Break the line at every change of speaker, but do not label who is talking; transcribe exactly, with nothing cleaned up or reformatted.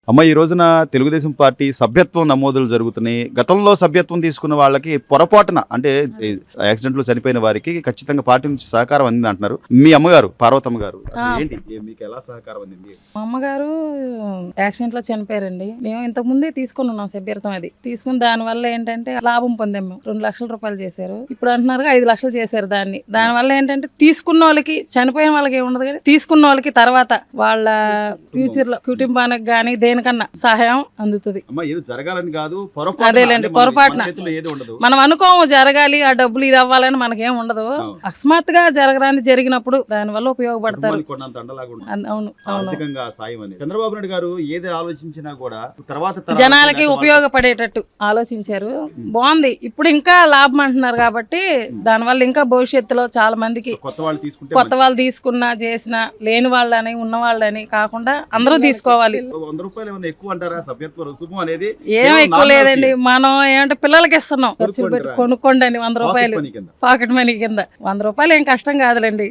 అమ్మ ఈ రోజున తెలుగుదేశం పార్టీ సభ్యత్వం నమోదులు జరుగుతున్నాయి. గతంలో సభ్యత్వం తీసుకున్న వాళ్ళకి పొరపాటున అంటే యాక్సిడెంట్లో చనిపోయిన వారికి ఖచ్చితంగా పార్టీ నుంచి సహకారం అందింది అంటున్నారు. మీ అమ్మగారు పార్వతమ్మ గారు ఏంటి మీకు ఎలా సహకారం అందింది?
మా అమ్మగారు యాక్సిడెంట్ లో చనిపోయారండి. మేము ఇంతకు ముందే తీసుకుని ఉన్నాం సభ్యత్వం. అది తీసుకుని దాని వల్ల ఏంటంటే లాభం పొందాం. మేము రెండు లక్షల రూపాయలు చేశారు. ఇప్పుడు అంటున్నారు ఐదు లక్షలు చేశారు దాన్ని. దాని వల్ల ఏంటంటే తీసుకున్న వాళ్ళకి చనిపోయిన వాళ్ళకి ఏముండదు, కానీ తీసుకున్న వాళ్ళకి తర్వాత వాళ్ళ ఫ్యూచర్ లో కుటుంబానికి గానీ దేనికన్నా సహాయం అందుతుంది.
జరగాలని కాదు,
అదేలేండి పొరపాటున మనం అనుకోము జరగాలి ఆ డబ్బులు ఇది అవ్వాలని మనకేం ఉండదు. అకస్మాత్తుగా జరగరాని జరిగినప్పుడు దాని వల్ల ఉపయోగపడతారు. అవును అవును
చంద్రబాబు నాయుడు గారు ఏది ఆలోచించినా కూడా తర్వాత
జనాలకి ఉపయోగపడేటట్టు ఆలోచించారు. బాగుంది. ఇప్పుడు ఇంకా లాభం అంటున్నారు కాబట్టి దాని వల్ల ఇంకా భవిష్యత్తులో చాలా మందికి
కొత్త వాళ్ళు తీసుకుంటే
కొత్త వాళ్ళు తీసుకున్నా చేసినా లేని వాళ్ళని ఉన్న వాళ్ళని కాకుండా అందరూ తీసుకోవాలి.
వంద రూపాయలు ఏమైనా ఎక్కువ అంటారా? సభ్యత్వ రుసుము అనేది
ఏం ఎక్కువ లేదండి. మనం ఏమంటే పిల్లలకి ఇస్తున్నాం, ఖర్చులు పెట్టి కొనుక్కోండి అని వంద రూపాయలు పాకెట్ మనీ కింద. వంద రూపాయలు ఏం కష్టం కాదులేండి.